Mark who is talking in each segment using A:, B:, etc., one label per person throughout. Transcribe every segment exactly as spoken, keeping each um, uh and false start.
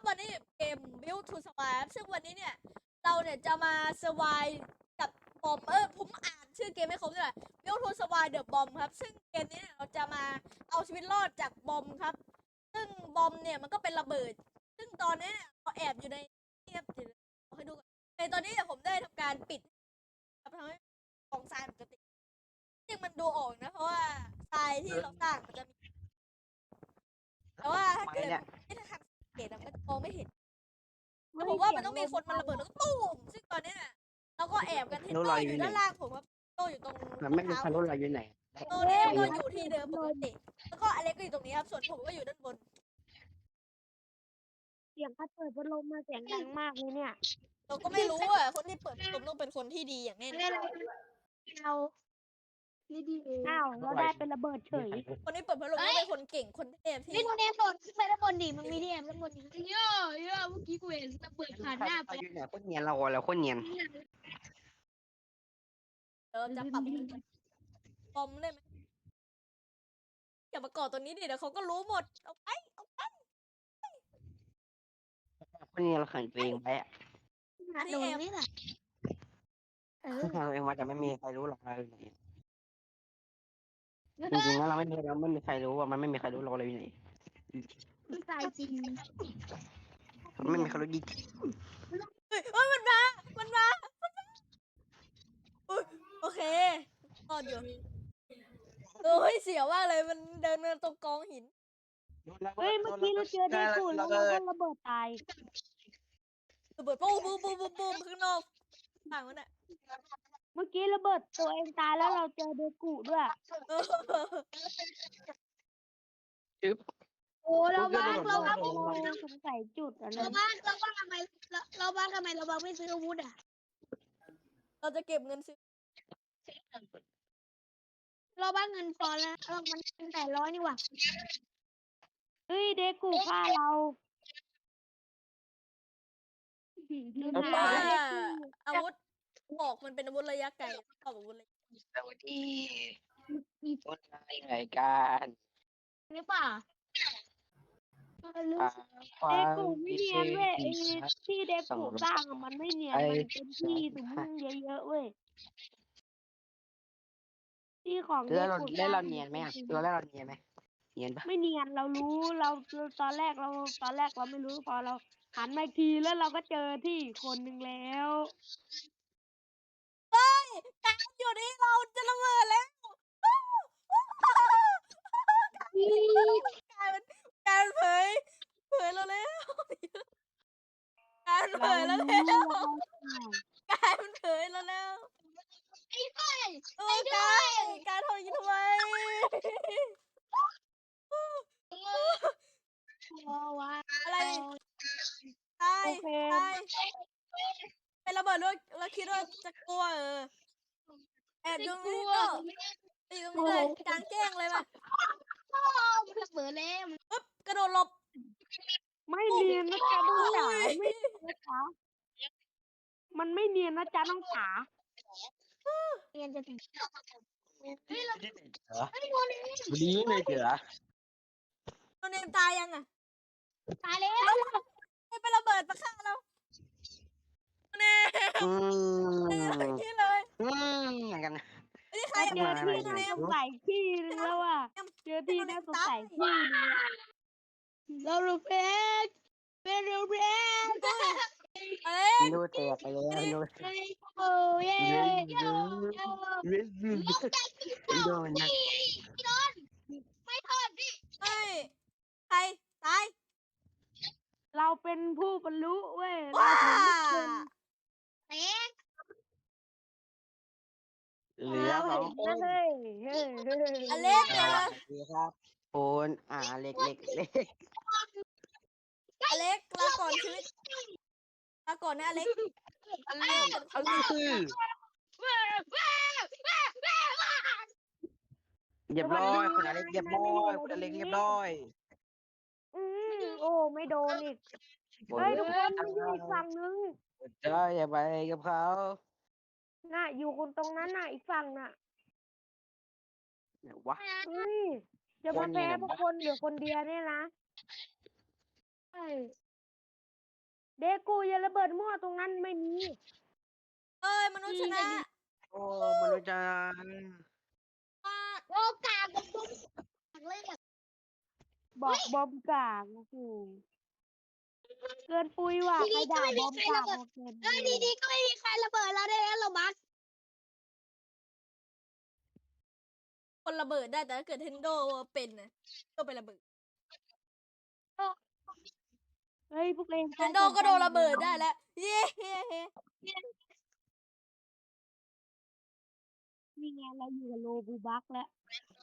A: วันนี้เกม Build to Survive ซึ่งวันนี้เนี่ยเราเนี่ยจะมา survive กับบอมเออผมอ่านชื่อเกมไม่ครบด้วย Build to Survive the Bomb ครับซึ่งเกมนี้เนี่ยเราจะมาเอาชีวิตรอดจากบอมครับซึ่งบอมเนี่ยมันก็เป็นระเบิดซึ่งตอนนี้เนี่ยเราแอบอยู่ในนี่ครับเดี๋ยวเอาให้ดูก่อนในตอนนี้เนี่ยผมได้ทำการปิดครับทำให้กองทรายปกติจริงมันดูออกนะเพราะว่าทรายที่เราสร้างมันจะมีแต่ว่าถ้าเกิดไม่ทำสังเกตมันจะมองไม่เห็นแต่ผมว่ามันต้องมีคนมาระเบิดแล้วก็ตุ้มซึ่งตอนนี้เราก็แอบกันเทนโต้อยู่ด้านล่างผมครับโต้อยู่ตรง
B: ไม่มีใครรู้เราอยู่ไหน
A: โต้เนี่ยก็อยู่ที่เดิมปกติแล้วก็อเล็กก็อยู่ตรงนี้ครับส่วนผมก็อยู่ด้านบน
C: เสียงพัดเปิดพัดลมมาเสียงดังมากเลยเนี่ย
A: เราก็ไม่รู้อ่ะคนที่เปิดพัดลมต้องเป็นคนที่ดีอย่างแน่นอน
C: เรานี่ดีเองอ้าวเราได้เป็นระเบิดเฉย
A: คนที่เปิดพัดลมต้องเป็นคนเก่งคนเทพที่
C: นี่โมเดลโดดขึ้นไปด้านบนดิมันมีเดียมด้านบนดิเยอะเยอะเมื่อกี้กูเห็นระเบิดผ่านหน้าไป
B: อยู่ไหนคนเนียนเราเราคนเนียน
A: เราจะปรับบอมได้ไหมอย่ามาก่อตัวนี้ดิเดี๋ยวเขาก็รู้หมดเอาไปเอาไป
B: คนเนียนเราขังตัวเองไว้อะ
C: โดนนี่แหละเออ
B: ขังตัวเองไว้แต่ไม่มีใครรู้หรอกเราอยู่ไหนจริงๆแล้วเราไม่มีเราไม่มีใครรู้ว่ามันไม่มีใครรู้เราเลยอยู่ไหน
C: มันตายจริง
B: ไม่มีใครรู้จริง
A: เฮ้ยเฮ้ยมันมามันมามันมาอุ๊ยโอเครอดอยู่โอ้ยเสียวมากเลยมันเดินมาตรงกองหิน
C: เฮ้ยเมื่อกี้เราเจอเดกูแล้วเราก็ระเบิดตาย
A: ระเบิดปุ้มปุ้มปุ้มปุ้มปุ้มข้างนอกต่างมันอ่ะ
C: เมื่อกี้ระเบิดตัวเองตายแล้วเราเจอเดกูด้วย
A: เออ
B: จึ๊บ
C: โอ้เราบ้างเราบ้างสงสัยจุดอันนั้น
D: เราบ้านเราบ้านทำไมเราเราบ้านทำไมเราบ้านไม่ซื้ออาวุธอ่ะ
A: เราจะเก็บเงินซื้อ
D: เราบ้านเงินพอแล้วเรามันเป็นแปดร้อยนี่หว่า
C: เฮ้ยเดกูฆ่าเราดู
A: เพราะ
C: นะ
A: ว่า
C: เดกู
A: อาวุธบอกมันเป็นอาวุธระยะไกลชอบอาวุธระยะ
B: สวัสดีคนรายการ
D: หรือเปล่า
B: ควา
C: เด
B: ม
C: กูไม่เนียนเว้ยไอ้ที่เดกูสร้างอะมันไม่เนียนมันเป็นที่สมมุติเยอะๆเว้ยที่ของเด
B: แล้วเรา
C: กูส
B: แล้ว
C: ร้า
B: เรา
C: ง
B: เนียนไหมอ่ะตัวแล้วเราเนียนไหมเนียนปะ
C: ไม่เนียนเรารู้เราตอนแรกเราตอนแรกเราไม่รู้พอเราหันมาอีกทีแล้วเราก็เจอที่อีกคนนึงแล้ว
A: เฮ้ยการอยู่นี่เราจะระเบิดแล้วการมันการเผยเผยเราแล้วการเผ
C: เรา
A: ยแล้ว
C: รู้
A: แล้ว
C: เรา
A: การมันเผยแล้วแล้วเออการการทำอย่างนี้ทำไม
D: พอวะ
A: อะไรตาย
C: โอเค
A: ตายเป็นระเบิดแล้วแล้วคิดว่าจะกลัวเออแอบอยู่ตรงนี้ก็อยู่ตรงนี้เลยกลางแจ้งเลยป่ะ
D: พ่อมันระเบิดแล้ว
A: ปึ๊บกระโดดหลบ
C: ไม่เนียนนะจ๊ะน้องจ๋าไม่เนียนนะจ๊ะมันไม่เนียนนะจ๊ะน้องจ๋า
D: เรียนจะถึง
B: เหรอ
D: ไอ้โมนี่
B: วันนี้ไม่เจอ
A: โนเนมตายยังอ่ะ
D: ตายแล้ว
A: ไม่เป็นระเบิดมาฆ่าเราโนเนม
B: อื
A: นี่เลย
B: อืมอย่างกัน
A: ไอ้นี่ใคร
C: เจ
A: อ่ะ
C: อที่น่าสงสัยที่นึงแล้วอ่ะเจอที่น่าสงสัยที่นึง
D: เราลูกเพชรเป็นลูกเพชร
A: อะไร
B: ดูแตกไปแล้วดู
D: โอ้ย
B: เยอะเยอะเยอะเยอะโดนนะ
D: พี่นนท์ไม่ทอดดิ
A: เฮ้ยใครตาย
C: เราเป็นผู้บรรลุเว้ยเรา
A: ว้า
C: ถึงเป็น
D: เต๊ก
B: เหลือสองคน
C: เฮ้ยเฮ้ยเฮ้ย
A: อเล็ก
B: ส
A: เนี่ย
B: วัสดีครับคุณอ่าเล็กเล็กเล็ก
A: อเล็กลาก่อนชีวิตลาก่อนนะอเล็ก
B: อันนี้อันนี้คือเรียบร้อยคุณอเล็กเรียบร้อยคุณอเล็กเรียบร้อย
C: อืมโอ้ไม่โดนอีกเฮ้ยทุกคนมาอยู่อีกฝั่งนึง
B: เจ้าอย่าไปกับเขา
C: น่ะอยู่คนตรงนั้นน่ะอีกฝั่งน่ะ
B: เนี่ยวะ
C: เฮ้ยจะมาแพ้พวกคนเหลือคนเดียวเนี่ยนะ
D: ใช่
C: เดกูอย่าระเบิดมั่วตรงนั้นไม่มี
A: เอ้ยมนุษย์ชนะ
B: โอ้มนุษย์จัง
D: โอกาสกับผมเลยอะ
C: บอกบอมกลางโอ้โหเกินปุยว่ะใครด่าบอมกลางบอกเกิน
D: เอ้ยดีๆก็ไม่มีใครระเบิดเราได้แล้วเราบัก
A: คนระเบิดได้แต่ถ้าเกิดเทนโดเป็นนะก็ไประเบิด
C: เฮ้ยพวกเอง
A: เทนโดก็โดนระเบิดได้แล้ว เย้
C: นี่ไงเราอยู่กับโลบูบักแล้ว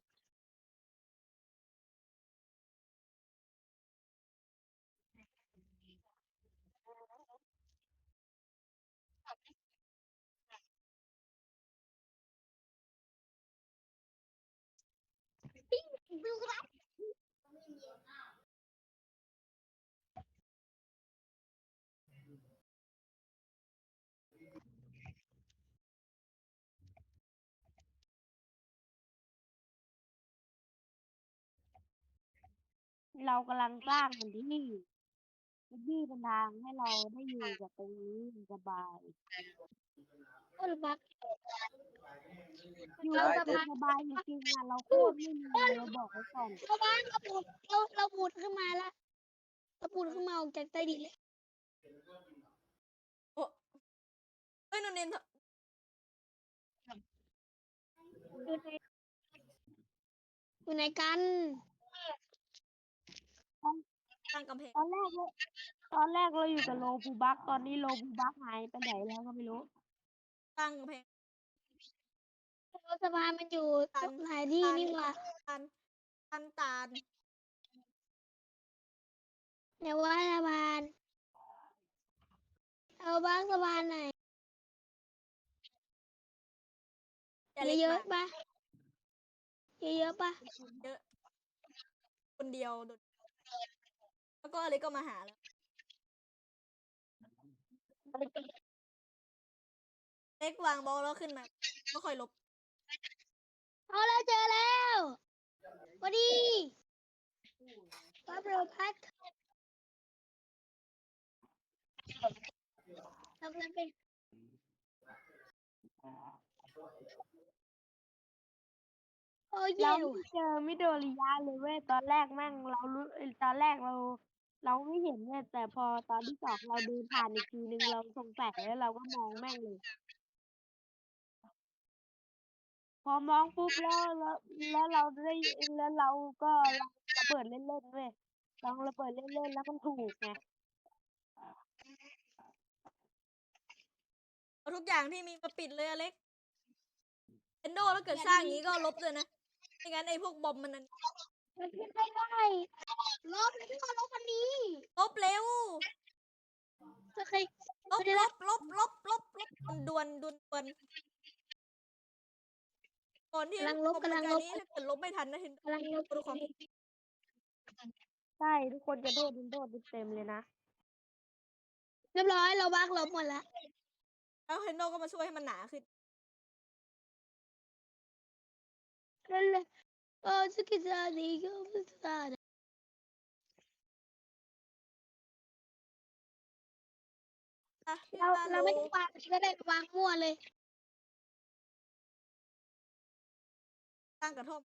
C: เรากำลังสร้างมันที่นี่มันที่เป็นทางให้เราได้อยู่กับตรงนี้อย่างสบาย
D: คนบัก
C: อยู่
D: เรา
C: กับ
D: จะ
C: ตัว
D: มา
C: สบายจริงๆอ่ะเราโคตรไม่มีเราบอกไว้ก่อน
D: เราบ้านเราปูดเราเราปูดขึ้นมาแล้วเราปูดขึ้นมาออกจากใต้ดินเลย
A: โอ้เฮ้ยนนเนน
D: อยู่ในอยู่ในกัน
A: สร้างกำแพง
C: ตอนแรกเราตอนแรกเราอยู่กับโลบูบักตอนนี้โลบูบักหายไปไหนแล้วก็ไม่รู้
A: สร้างกำแพง
D: เราสะพานมันอยู่ตรงไหนที่นี่หว่า
A: ตันตันตาล
D: เดี๋ยวว่าสะพานเอาบ้างสะพานไหน
A: แต่เล็ก
D: เยอะ
A: มาก
D: ๆปะเยอะๆปะ
A: เยอะ คนเดียวโดดแล้วก็อะไรก็มาหาแล้ว เล็กวางบอลแล้วขึ้นมา ก็ค่อยลบ
D: เอาแล้วเจอแล้วพอดีปั๊บเราพัดเรากำลังเป็นโอ้ย
C: เรา
D: เยว
C: ไม่เจอมิโดริยะเลยเว้ยตอนแรกแม่งเรารู้เอ้ยตอนแรกเรา เราไม่เห็นเว้ยแต่พอตอนที่สองเราเดินผ่านอีกทีนึงเราสงสัยแล้วเราก็มองแม่งเลย พอมองปุ๊บแล้วแล้วแล้วเราได้แล้วเราก็ลองระเบิดเล่นๆเว้ยลองระเบิดเล่นๆแล้วมันถูกไง
A: เอาทุกอย่างที่มีมาปิดเลยอเล็กเอนโดแล้วเกิดสร้างอย่างนี้ก็ลบเลยนะ ไม่งั้นไอ้พวกบอมมันนั้น
D: มันขึ้นไม่ได้ลบแล้วก็ลบอันนี้
A: ลบเร็ว
D: จะเคย
A: ลบลบลบลบลบลบมันดวนดวนดวนก่อนที่
D: กำลังลบ
A: คอม
D: กำลัง
A: การ
D: ลบ
A: นี้ถ้าเกิดลบไม่ทันนะเห็น
D: กำลังลบ
A: ดูความ
C: ใช่ทุกคนจะโดดโดดเต็มเลยนะ
D: เรียบร้อยเราบักลบหมดแล้ว
A: แล้วเฮนโดก็มาช่วยให้มันหนาขึ้น
D: นั่นแหละโอ้สกิซาดีก็ไม่ทราบ
A: อ่ะพี่
D: เรา
A: ปา
D: เรา
A: โล
D: ไม่ต้องวางก็ได้วางมั่วเลย
A: สร้างกระท่อม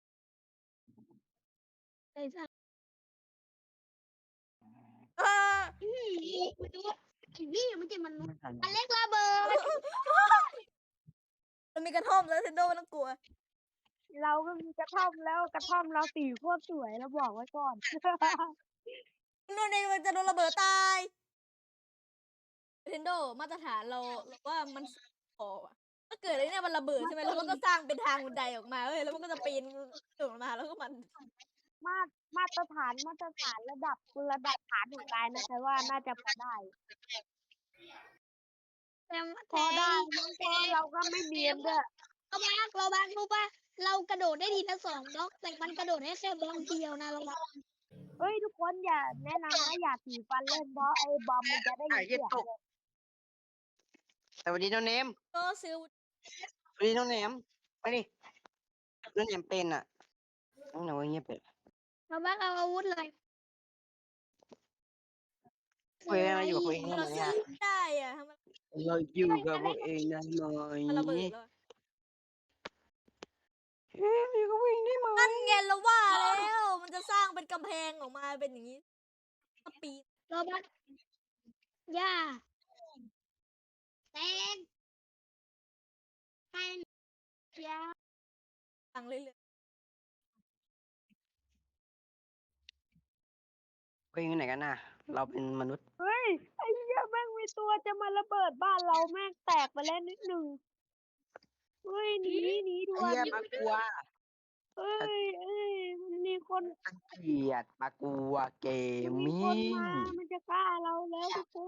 D: เลยจ้ะ
A: เออ
D: อืมมันดูว่าไอ้นี่มันจะมัน
B: ไม่ทัน
D: อันเล็กระเบิด
A: มันมีกระท่อมแล้วเฮนโดไม่ต้องกลัว
C: เราก็มีกระท่อมแล้วกระท่อมเราสีโคตรสวยเราบอกไว้ก่อน
A: โดนเองมันจะโดนระเบิดตายเทนโดมาตรฐานเราเราว่ามันพออะถ้าเกิดไอ้เนี่ยมันระเบิดใช่ไหมแล้วมันก็สร้างเป็นทางบันไดออกมาเว้ยแล้วมันก็จะปีนขึ้นมาแล้วก็มัน
C: มาตรมาตรฐานมาตรฐานระดับระดับฐานของกายนะแต่ว่าน่าจะพอได้
D: แต่
C: พอได้มั้งเพราะเราก็ไม่เนียนด้วย
D: เราบักเราบักรู้ป่ะเรากระโดดได้ทีละสองบล็อกแต่มันกระโดดได้แค่บล็อกเดียวนะเราบัก
C: เฮ้ยทุกคนอย่าแนะนำนะอย่าถือฟันเล่นเพราะไอ้บอมมันจะได้ยินเสียงเลย
B: แต่วันนี้น้องเนม
A: ก็ซื้อ
B: วันนี้น้องเนมไปดิน้องเนมเป็นอ่ะน้องเนมว่าเงียบไป
D: เราบักเอาอาวุธเลย
B: คุยมาอยู่กับคุยนี่
A: เรา
B: เนี่
A: ซื้
B: ย
A: อไม่ได้อ่ะทำไม
B: เราอยู่กับพวกเองได้ไหม
A: มันระเบิดแล้วอะ
B: เฮ้ยอยู่กับพวกเองได้ไหม
A: นั่นไงเราว่าแล้ว มันจะสร้างเป็นกำแพงออกมาเป็นอย่างนี้ถ้าปีน
D: โรบัสย่าแตงให้ยา
A: ฟังเรื่อย
B: พวกเองอยู่ไหนกันน่ะ เราเป็นมนุษย์
C: เฮ้ยไอ้เหี้ยแม่งมีตัวจะมาระเบิดบ้านเราแม่งแตกไปแล้วนิดหนึ่งเฮ้ยหนีหนีด่ว
B: ไอ้
C: น
B: เหี้ยปลากลัว
C: เอ้ยเอ้ยมันมีคน
B: เกลียดปลากลัวเกม
C: มันมี
B: มิ่
C: คน
B: ง
C: มา มันจะฆ่าเราแล้วทุกคน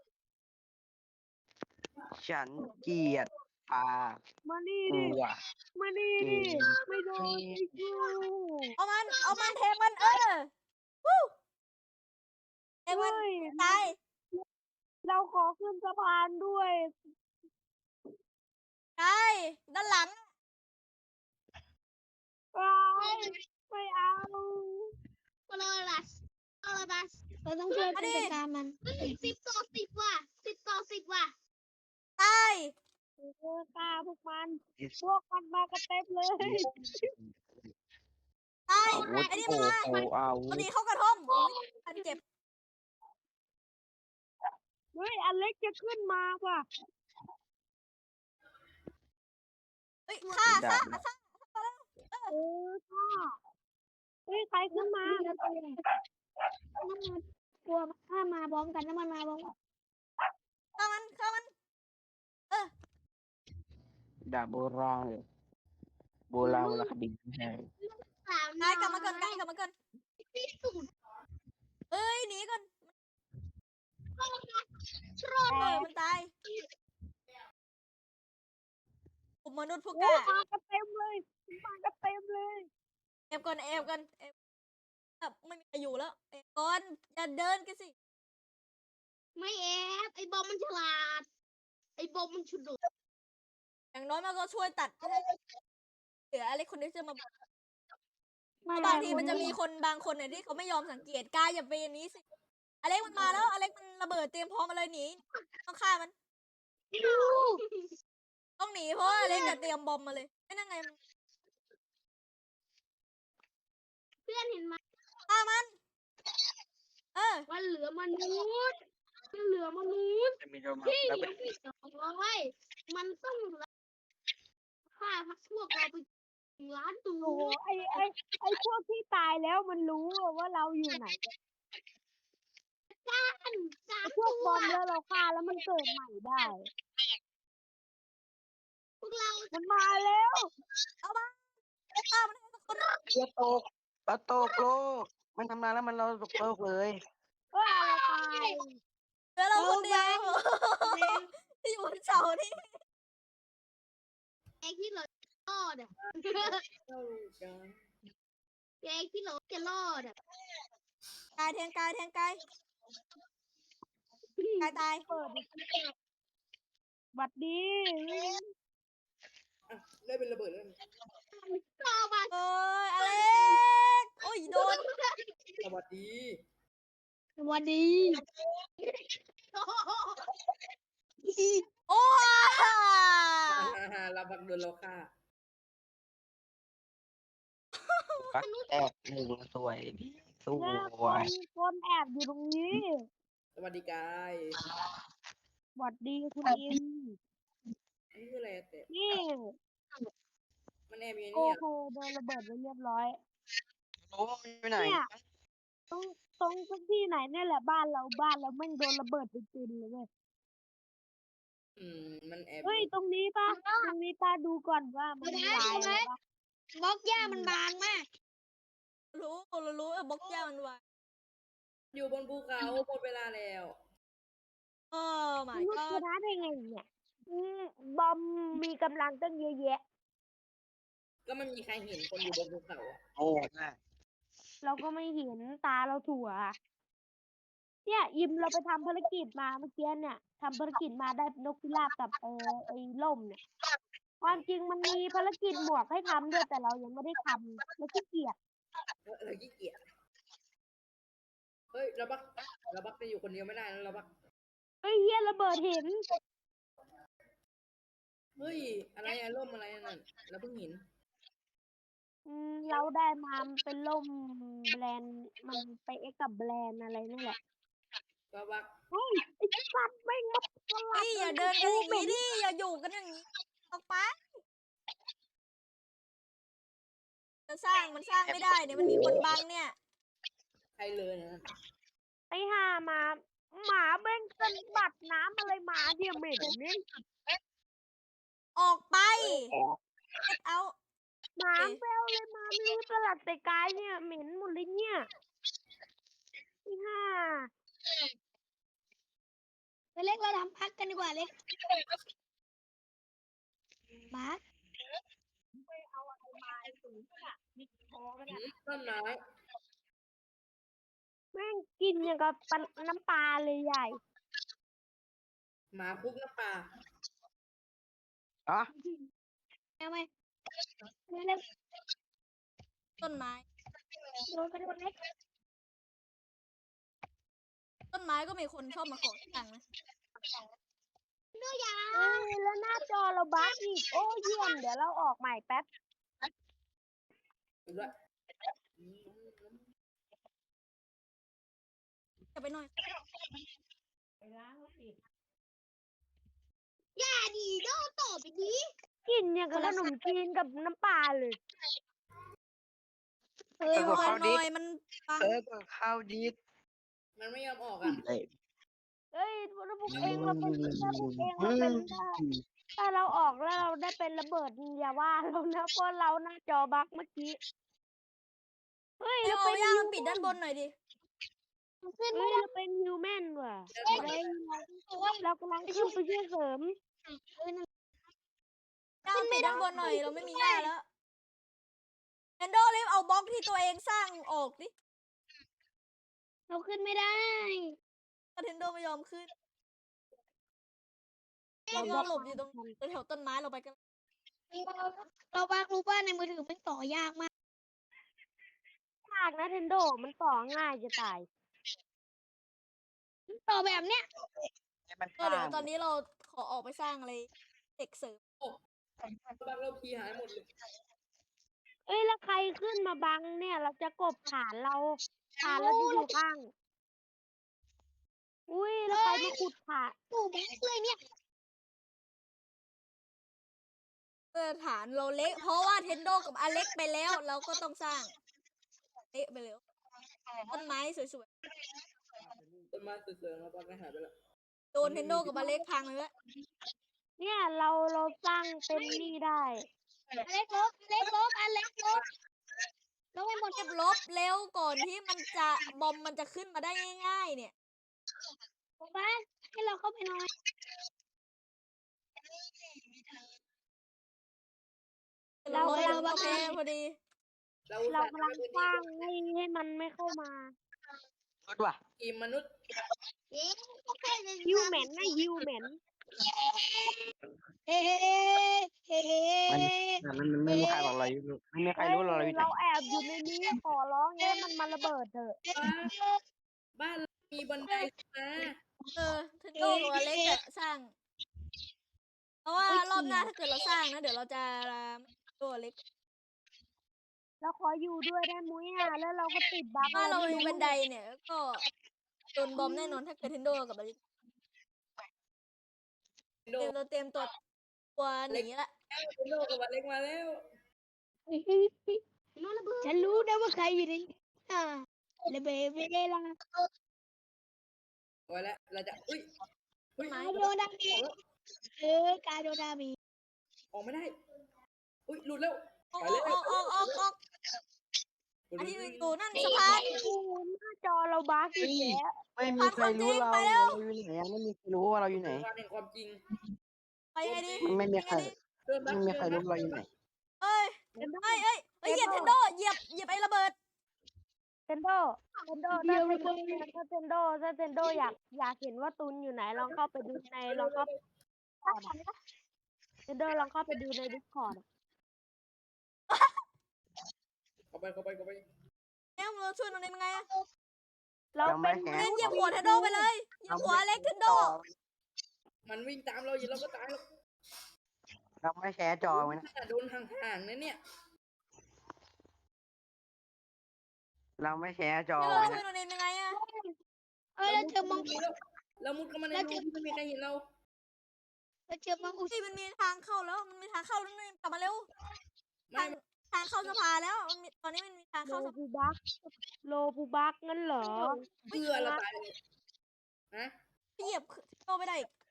B: ฉันเกลียดปลา
C: มานี่
B: ก
C: ดิ
B: ลัว
C: มานี่
B: เก
C: ดิ
B: ม
C: ไม่โดนไอ้กู
A: ๆเอามัน เอามันเทมันเออวู้เทมัน
C: เฮ้ย
A: ตาย
C: เราขอขึ้นสะพานด้วย
A: ตายด้านหลัง
C: ไปไม่เอา
D: โรบัสโรบัสเราต้องช่วยกันจัดการมันสิบต่อสิบว่ะสิบต่อสิบว่ะ
A: ตาย
C: เออฆ่าพวกมัน พวกมันมากันเต็มเลย
A: ตาย
B: อาวุธ
A: ไอ้นี่
B: โอ้
A: มันมา
B: โหอาวุ
A: พอ
B: ธ
A: ดีเข้ากระท่อมอุ๊ยอันเจ็บ
C: เฮ้ยอเล็กจะขึ้นมาว่ะ
A: เฮ้ยฆ่าฆ่าฆ่า
C: เออค่ะเฮ้ยใครขึ้นมา
D: น้ำมันกลัวถ้ามาพร้อมกันน้ำมันมาพร้อมกัน
A: ฆ่ามันฆ่ามัน
B: ดาบโบราณเลยโบราณวรรณคดีใช่
D: สาม
A: นายกลับมาก่อนนายกลับมาก่อน
D: ที่สุด
A: เอ้ยหนีก่อน
D: ชรอ
A: เออมันตายผมมนุษย์ผู้ก
C: โอ้
A: ล้า
C: มากันเต็มเลยมากันเต็มเลย
A: เอฟก่อนเอฟก่อนเอฟแบบไม่มีใครอยู่แล้วเอฟก่อนอย่าเดินกันสิ
D: ไม่แอบไอ้บอมมันฉลาด ไอ้บอมมันฉุด
A: อย่างน้อยมันก็ช่วยตัดให้เหลืออะไรคนที่จะมาบอก
C: ไม่
A: บางทีมันจะมีคนบางคนเนี่ยที่เขาไม่ยอมสังเกตกายอย่าไปอย่างนี้สิอเล็กมันมาแล้วอเล็กมันระเบิดเตรียมพร้อมมาเลยหนีต้องฆ่ามัน ต้องหนีเพราะว่าอเล็กจะเตรียมบอมมาเลยไม่นั่งไงมัน
D: เพื่อนเห็นไหม
A: ฆ่ามันเออ
D: มันเหลือมนุษย์มันเหลือมนุษย์
B: จะมีโดมา
D: ที่
B: แล้ว
D: ยังไม่สองร้อยมันต้องฆ่าพักพวกเราไปถึงล้านตั
C: โอ้
D: ว
C: โหไอ้ไอ้ไอ้พวกที่ตายแล้วมันรู้ว่าเราอยู่ไหน
D: กันสาม
C: ไอ้พว
D: ตั
C: กบ
D: ว
C: อมแล้วเราฆ่าแล้วมันเกิดใหม่ได้
D: พวกเรา
C: มันมาแล้ว
A: ฆ่ามันให้ทุกคน
B: เรือตกปลาตกโลก มันทำงานแล้วมันเราตกโลกเลย
C: เอ้ยเราตาย
A: เหลือเราคนเดียวที่อยู่บนเสานี่
D: แอกที่เรารอดอ่ะแอกที่เราจะรอดอ่ะ
A: กายแทงกายแทงกายกายตาย
C: เปิดดิบัดดี
E: ได้เป็นระเบิดแล้ว
D: รอมา
A: เอ้ยอเล็กโอ้ยโดน
E: สวัสดี
D: สวัสดี
A: โอ้ย
E: เราบักโดนเราฆ่า
B: ปักแตกหนึ่งสวยดีส
C: เนี่ยค
B: วย
C: นคนแอบอยู่ตรงนี้
E: สวัสดีกาย
C: บัดดีคุณอิน
E: อันนี้คืออะไรแต่
C: นี่
E: มันแอบอยู่ใน
C: โอ้
E: นี่
C: โหโดนระเบิดไปเรียบร้อย
B: รู้ว่ามันอยู่ไหน
C: เนี่ย ตรงตรงตรงที่ไหนเนี่ยแหละบ้านเราบ้านเราแม่งโดนระเบิดเป็นจุนเลยเว้ย
E: อืมมันแอบ
C: เฮ้ยตรงนี้ปะตรงนี้ป้าดูก่อนว่ามันมีลายอะไรปะ
D: บล็อกหญ้ามันบางมาก
A: รู้เรารู้เออบล็อกย่ามันวาง
E: อยู่บนภูเขาหมดเวลาแล้ว
A: เออหมาย
C: ลูก
A: ก็
C: ชนะได้ไงเนี่ยอืมบอมมีกำลังตั้งเยอะแยะ
E: ก็ไม่มีใครเห็นคนอยู่บนภูเขาอะ
B: โอ้น่ะ
C: เราก็ไม่เห็นตาเราถั่ว เนี่ยยิมเราไปทำภารกิจมาเมื่อกี้เนี่ยทำภารกิจมาได้นกพิราบกับเออไอ้ล่มเนี่ย ความจริงมันมีภารกิจหมวกให้ทำด้วยแต่เรายังไม่ได้ทำเราขี้เกียจ
E: เราขี้เกียจเฮ้ยเราบักเราบักจะอยู่คนเดียวไม่ได้นะเราบัก
C: เฮ้ยเฮียระเบิดหิน
E: เฮ้ยอะไรอะร่มอะไรนั่นเราเพิ่งเห็น
C: อืมเราได้มามันเป็นล่มแบรนด์มันไปเอ็กกับแบรนด์อะไรนั่นแหละ
E: เราบัก
C: เฮ้ยไอ้สัตว์ไม่งมาสลั
A: เฮ้
C: ด
A: ยอย่าเดินกันอย่างนี้ดิอย่าอยู่กันอย่างนี้ออกไปจะสร้างมันสร้างไม่ได้เนี่ยมันมีคนบังเนี่ย
E: ใครเลยนะ
C: ไอ้ห่าหมาหมาเบ้งเป็นบัดน้ำอะไรหมาเดียเหม็นเนี่ย
A: ออกไปเอา
C: หมาแปลวเลยมาไม่รู้สลัดแต่กายเนี่ยเหม็นหมดเลยเนี่ยไอ้ห่า
D: ไปเล็กเราทำพักกันดีกว่าเล็กมาร์ค
E: ต้นไม้
C: แม่งกินอย่างกับปลาน้ำปลาเลยใหญ่
E: หมาคุกน้ำปลา
B: อ๋อ
D: เอาไหมเล็ก
A: ต้นไม้
D: โดนกระโดดเล็ก
A: ต้นไม้ก็มีคนชอบมาขอตังค์นะ
D: เนื้อยา
C: เอ้ยแล้วหน้าจอเราบั๊กอีกโอ้เยี่ยมเดี๋ยวเราออกใหม่แป๊บ
E: ดูด้วย
A: จะไปหน่อย
D: ยาดีโดนต่อไปดี
C: กินอย่างกับขนมจีนกับน้ำปลาเลย
A: เออหน่อยหน่อยมันบัง
B: เออก็เข้าดีด
E: มันไม่ยอมออกอ่ะ
B: เลย
C: เอ้ยถ้าพวกเองเราเป็นถ้าพวกเองเราเป็นถ้าถ้าเราออกแล้วเราได้เป็นระเบิดอย่าว่าเรานะเพราะเราหน้าจอบั๊กเมื่อกี้เฮ้ย
A: เดี๋ย
C: เรา
A: วเอา
C: เป็น
A: ย่าง
C: ฮิว
A: ปิดด้านบนหน่อยดิ
D: ขึ้น
C: เฮ้
D: ไม่
C: ย
D: ได้
C: เราเป็นฮิวแมนว่ะ
E: เดิน
C: เฮ้ย
D: โอ้ย
C: เรากำลังขึ้นไปช่วยเสริม
A: ย่างปิดด้านบนหน่อยเราไม่มีหญ้าแล้วแอนโดรีบเอาบล็อกที่ตัวเองสร้างออกดิ
D: เราขึ้นไม่ได้
A: เทนโดไม่ยอมขึ้นเราก็หลบอยู่ตรงแถวต้นไม้เราไปกัน
D: เราบ้ารู้ว่าในมือถือมันต่อยากมาก
C: มากนะเทนโดมันต่อง่ายจะตาย
D: ต่อแบบเนี้ย
B: ให้มัน
A: ก็เดี๋ยว
B: ผ่าน
A: ตอนนี้เราขอออกไปสร้างอะไรเด็กเสริม
E: เราบักเราพีหายหมดเลย
C: เอ้ยแล้วใครขึ้นมาบังเนี่ย เราจะกบฐานเราฐานเราจะอยู่ข้าง อุ้ยแล้วใครมาขุดฐาน
D: ตู่แบงค์เลยเนี่ย
A: เพื่อฐานเราเล็ก เพราะว่าเทนโดกับอเล็กไปแล้ว เราก็ต้องสร้างเละไปแล้วต้นไม้สวย
E: ต้นไม้เสื่อมๆเราบักไม่หายไปแล้ว
A: ๆโดนเทนโดกับอเล็กพังเลยละ
C: เนี่ยเราเราสร้างเป็นนี่ได้
D: อเล็กลบอเล็กลบอเล็กลบลบไปหมด
A: เก็บลบเร็วก่อนที่มันจะบอมมันจะขึ้นมาได้ง่าย ๆ เนี่ย
D: บอกว่าให้เราเข้าไปหน่อย
C: เรา
A: โอ
C: เรา
A: เคพอดี
E: เรา
C: เรากำลังสร้างให้ให้มันไม่เข้ามา
B: รถว่ะ
E: ทีมมนุษย์
D: เอ๊ะโอเคเลย
C: ฮิวแมนนะฮิวแมน
D: เฮ้เฮ้เฮ้เฮ้
B: มันมันมันไม่มีใครบอกเราอยู่ไม่มีใครรู้เราอยู่ไหน
C: เราแอบอยู่ในนี้ขอร้องให้มันมาระเบิดเถอะ
E: บ้านเรามีบันไดนะ
A: เออเทนโดกับอเล็กอะสร้าง เพราะว่ารอบหน้าถ้าเกิดเราสร้างนะเดี๋ยวเราจะตัวเล็ก
C: เราขออยู่ด้วยได้มุ้ยอ่ะแล้วเราก็ติดบั๊ก
A: ถ้าเรา
C: ไม่
A: มีบันไดเนี่ยก็โดนบอมแน่นอนถ้าเกิดเทนโดกับอเล็ก
E: โด
A: เตรียมเราเตรียมตัวตัวหนีละ
E: โดกับบันเล็กมาแล้ว
D: ฉันรู้นะว่าใครอยู่ในอ่าเลเบเวลา
E: ไว้แล้วเราจะอุ้ยอุ้ย
D: กาโดดามีเออกาโดดามี
E: ออกไม่ได้ อุ้ยหลุดแล้ว
A: ออกออกออกออกออกอันที่อยู่นั่นสะพาน
C: โอ้โหหน้าจอเราบั๊กอีกแล้ว
B: ไม่มีใครรู้เราเราอยู่ไหนไม่มีใครรู้ว่าเราอยู่ไหน
E: ความเป็นความจริง
A: ไปยังไงดี
B: มันไม่มีใคร
E: เดินบัก
B: ไม่มีใครรู้เราอยู่ไหน
A: เอ้ยเอ้ยเอ้ยเอ้ยเหยียบเทนโดเหยียบเหยียบไอ้ระเบิด
C: เทนโดเทนโดถ้าเทนโดถ้าเทนโดถ้าเทนโดอยากอยากเห็นว่าตุนอยู่ไหนลองเข้าไปดูในลองเข้าเทนโดลองเข้าไปดูในดิสคอร์ด
E: เข้าไปเข้าไปเข้าไป
A: เนี่ยเราช่วยตรงนี้ยังไงอะ
C: เรา
B: ยัง
C: เป็
B: ไม่
C: น
B: แฮ
A: เล่นเหยียบ
B: ต่อ
A: หัวเทนโดไปเลยเหยียบหัวเล็กเทนโด
B: ต่อ
E: มันวิ่งตามเราอยู่เราก็ตายแล้ว
B: เราไม่แชร์จอไว้นะ
E: โดนห่างๆนะเนี่ย
B: เราไม่แชร์จอ
A: นี่เรา
B: ไว้
A: ช่วย
B: นะ
A: โนเนมยังไงอะ
D: เอ้ยเราเจอมังกร
E: เรามุดเข้ามาใน
D: แล้ว
E: รู
D: เจอ
E: ที่ไม่มีใครเห็นเรา
D: เราเจอมังอุ
A: เฮ้ยมันมีทางเข้าแล้วมันมีทางเข้าแล้วนี่กลับมาเร็ว
E: ไม่
A: ทางทางเข้าสภาแล้วมันมีตอนนี้มันมีทาง
C: โล
A: เข้าสภา
C: บูบักโลบูบักงั้นเหรอ
E: เพื่อเราตายเลยนะ
A: เหยียบเทนโดไม่ได้อีก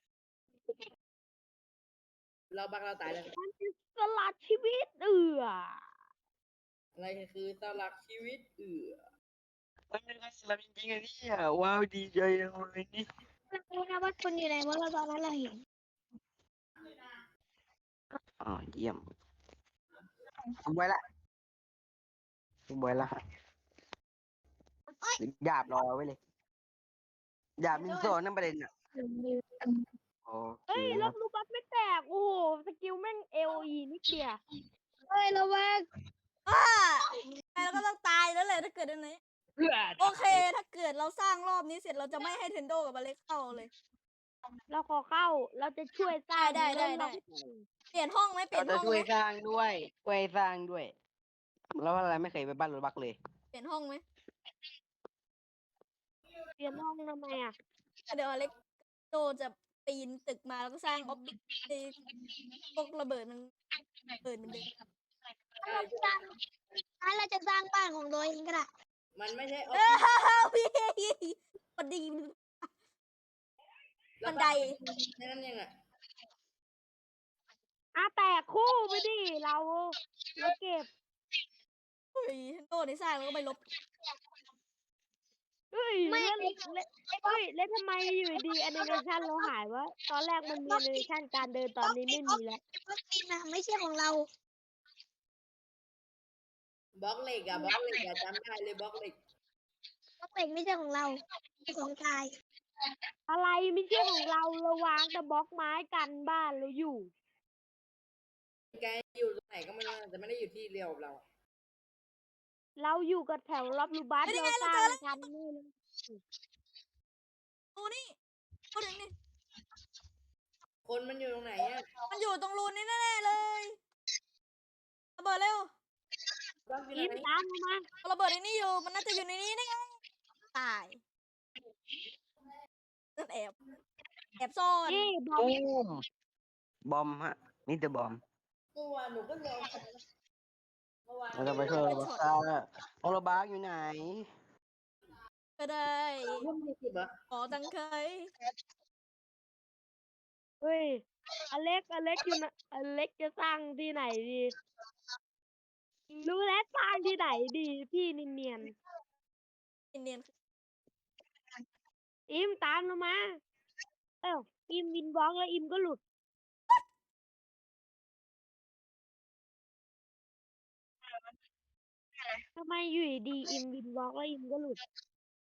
E: เราบักเราตายเลย
C: มันจะสลัดชีวิตเอือ
E: อะไรคือสลักชีวิตเอือ
B: มันเป็นการสลับจริงๆอะเนี่ยว้าวดีใจจังเลยนี่
D: เรารู้นะว่าคนอยู่ไหนเพราะเราตอนนั้นเราเห็น
B: อ๋อเยี่ยมผมไว้ละผมไว้ละหยาบรอไว้เลยหยาบมินโซนั่นประเด็นอ่ะโอเค
C: เฮ้ย
B: ค
C: แล้
B: รั
C: ว
B: บ
C: ลูบัสไม่แตก โอ้โห สกิลแม่งเอลีนิดเดียว
D: เฮ้ยเราว่า
A: อ้าใครเราก็ต้องตายแล้วแหละถ้าเกิดอันนี้โอเค ถ้าเกิดเราสร้างรอบนี้เสร็จเราจะไม่ให้เทนโดกับอเล็กเข้าเลย
C: เราขอเข้า เราจะช่วยสร้าง
A: ได้ได้ได้ เปลี่ยนห้องไหมเปลี่
B: เรา
A: ยน
B: จะ
A: ห้อง
B: ช่
A: ไห
B: ว
A: ม
B: ยสร้างด้วยช่วยสร้างด้วย แล้วอะไรไม่เคยไปบ้านรถบักเลย
A: เปลี่ยนห้องไหม
C: เปลี่ยนห้องทำไมอ่ะ
A: เดี๋ยวอเล็กโดจะปีนตึกมาแล้วก็สร้างออฟฟิศไอ้พวกระเบิดมันเปิดเหมือนเดิม
D: เราจะสร้างถ้าเราจะสร้างบ้านของตัวเองก็ได้
E: มันไม่ใช่ออ
A: เอ
E: ฟ
A: อ
E: ฟิศ
A: พี่พอดี
E: เรา
A: บันได
E: แค่นั้นยังอ่ะ
C: อ่ะแตกคู่ไปดิ เรา เราเก็บ
A: เฮ้ยเทนโดในสร้างแล้วก็ไปลบ
C: เฮ้ย
D: ไม่
C: เล่นเล่นเฮ้ย เล่นทำไมอยู่ดีแอนิเมชันเราหายวะ ตอนแรกมันมีแอนิเมชันการเดินตอนนี้ไม่มีแล้ว
D: วัคซีนนะไม่ใช่ของเรา
E: บล็อกเหล็กอะบล็อกเหล็กอะจำได้เลยบล็อกเหล็ก
D: วัคซีนไม่ใช่ของเราเป็นของกาย
C: อะไรไม่ใช่ของเราเราวางแต่บล็อกไม้กันบ้านเราอยู่
E: แกอยู่ตรงไหนก็ไม่รู้นะแต่ไม่ได้อยู่ที่เดียวกับเรา
C: เราอยู่กับแถวรับรูบัส
A: เฮ้ยนี่
C: เรา
A: ไง
C: สร้าง
A: เราเจอแล้ว
C: กันนี่เลย
A: รูนี่พูดถึงนี่
E: คนมันอยู่ตรงไหนอะ
A: มันอยู่ตรงรูนี้แน่ๆเลยระเบิดเร็ว
E: บล็อกอยู่
C: อิม
E: ไหน
C: ตามมา
A: ระเบิดในนี้อยู่มันน่าจะอยู่ในนี้นี่ไงตายนั่นแอบแอบซ่อน
C: นี่บอม
B: ตูมบอมฮะมิสเตอร์บอม
E: เมื่อวานหนูก็รอเมื่อวาน
B: เราจะไปช่วยรถบักซ่าแล้วรถบักอยู่ไหน
A: ก็ได้
E: รุ่นที่สิบเหรอ
A: ขอตังเคย
C: เฮ้ยอเล็กอเล็กอยู่นะอเล็กจะสร้างที่ไหนดี รู้แล้วสร้างที่ไหนดี พี่เนียน
A: เนียน
C: ๆอิมตามเรามา เอ้าอิมวินบล็อกแล้วอิมก็หลุดทำไมอยู่ดีๆอิมวินบล็อกแล้วอิมก็หลุด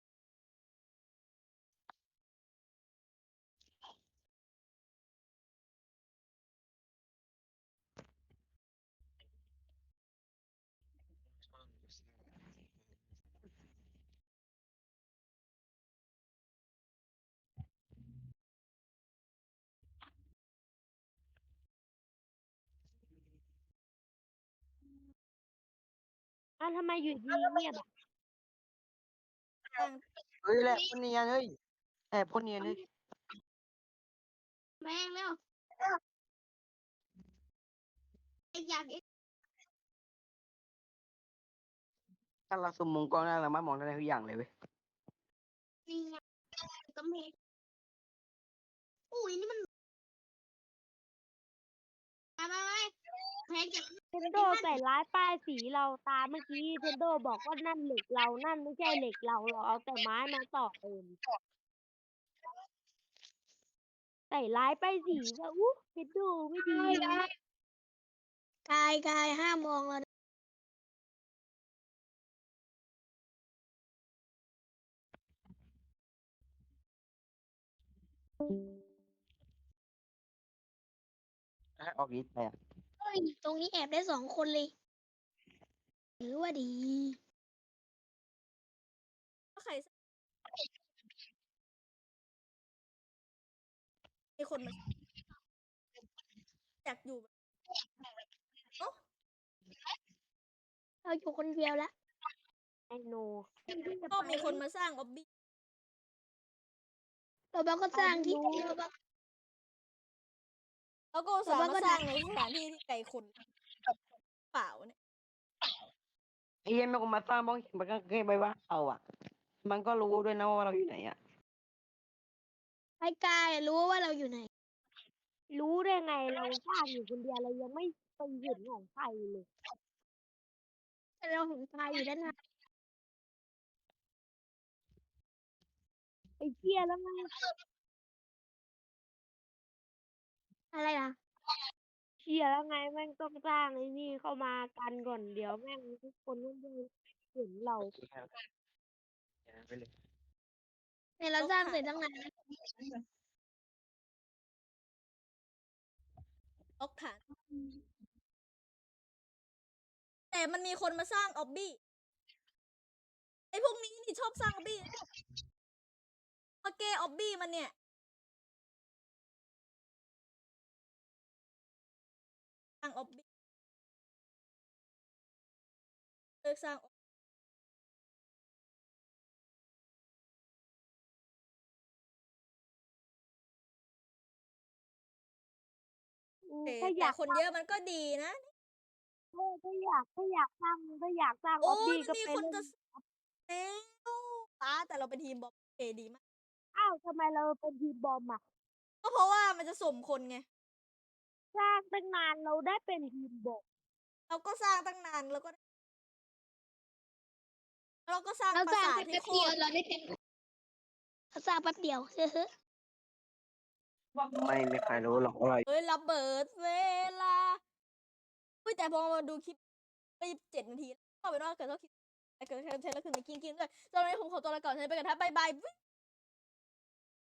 C: อ้าวทำไมอยู่ดีเงียบอ่ะ
A: ๆตั้ง
B: เฮ้ยแหละคนเนียนเฮ้ยแอบคนเนียนเฮ้ย
D: แม่งแล้วไอ้อยากไอ้
B: ถ้าเราสมมุงกล้องหน้าเรามามองได้ทุกอย่างเลยเว้ย
D: นี่ไงกำแพงอุ้ยนี่มันไปไปไปแพงจาก
C: เทนโดใส่ร้ายป้ายสีเราตามเมื่อกี้เทนโดบอกว่านั่นเหล็กเรา นั่นไม่ใช่เหล็กเราเราเอาแต่ไม้มาต่อเติมใส่ร้ายป้ายสีว่าอู้เทนโดไม่ดีเลย
D: กายกายห้ามมองเรา
B: ให้ออกอีทไปอ่ะ
D: เฮ้ยตรงนี้แอบได้สองคนเลยหรือว่าดี
A: ก็ใครมีคนมาอยากอยู่เอ้า
D: เราอยู่คนเดียวแล้ว
C: ไอโน
A: ก็มีคนมาสร้างออบบี้
D: เราบ้าก็สร้างที่เราบ้า
A: แล้วก็อุตสาห์มาสร้างในสถานที่ที่ไกลคนเปล่าเนี่ย
B: ไอ้เหี้ยแม่งก็มาสร้างบ้องเห็นมันก็แค่ไปว่าเอาอ่ะ มันก็รู้ด้วยนะว่าเราอยู่ไหนอ่ะ
D: ไอ้กายรู้ว่าเราอยู่ไหน
C: รู้ได้ไงเราสร้างอยู่คนเดียวเรายังไม่ไปเห็นของใครเลย
D: แต่เราเห็นกายอยู่ด้านหน้า
C: ไอ้เชี่ยแล้วไง
D: อะไรล่ะ
C: เชี่ยแล้วไงแม่งต้องสร้างไอ้นี่เข้ามากันก่อนเดี๋ยวแม่งทุกคนต้องไปเห็นเรา
B: ไปเลย
D: เนี่ยเราสร้างเสร็จตั้งนานแล้ว
A: ล็อกฐาน แต่มันมีคนมาสร้างออบบี้ไอ้พวกนี้นี่ชอบสร้างออบบี้มาเกย์ออบบี้มันเนี่ยสร้างออบบี้เลิกสร้าง
C: อืม
A: แต่
C: ถ้าอ
A: แต่
C: ยาก
A: คนเยอะมันก็ดีนะ
C: เออถ้าอยากถ้าอยากสร้างถ้าอยากสร้างอ
A: โอ้
C: อบบี้
A: ย
C: ก็
A: มี
C: ไป
A: คน
C: เล่น
A: จะแล้วป้าแต่เราเป็นทีมบอมเอดีมาก
C: อ้าวทำไมเราเป็นทีมบอมอ่ะ
A: ก็เพราะว่ามันจะสมคนไง
C: สร้างตั้งนานเราได้เป็นทีมบอม
A: เราก็สร้างตั้งนานแล้วก็เราก็สร้าง
D: เรา
A: ป
D: ส
A: รา
D: ร้าง
A: สาท
D: แค่
A: ที่
D: แป๊บ
A: โค
D: เดียว
A: ตร
D: เราได้เป็นเราสร้างแป๊บเดียวเฮ้อ
B: ไม่มีใครรู้หรอกว่าเรา
A: เอ้ยระเบิดเวลาเฮ้ยแต่พอมาดูคลิปไปเจ็ดนาทีก็เป็นว่าเกิดเท่าคลิปเกิดเทมเทนแล้วคือในกินกินด้วยตอนนี้ผมขอตัวลาก่อนใช้ไปกันครับบ๊ายบาย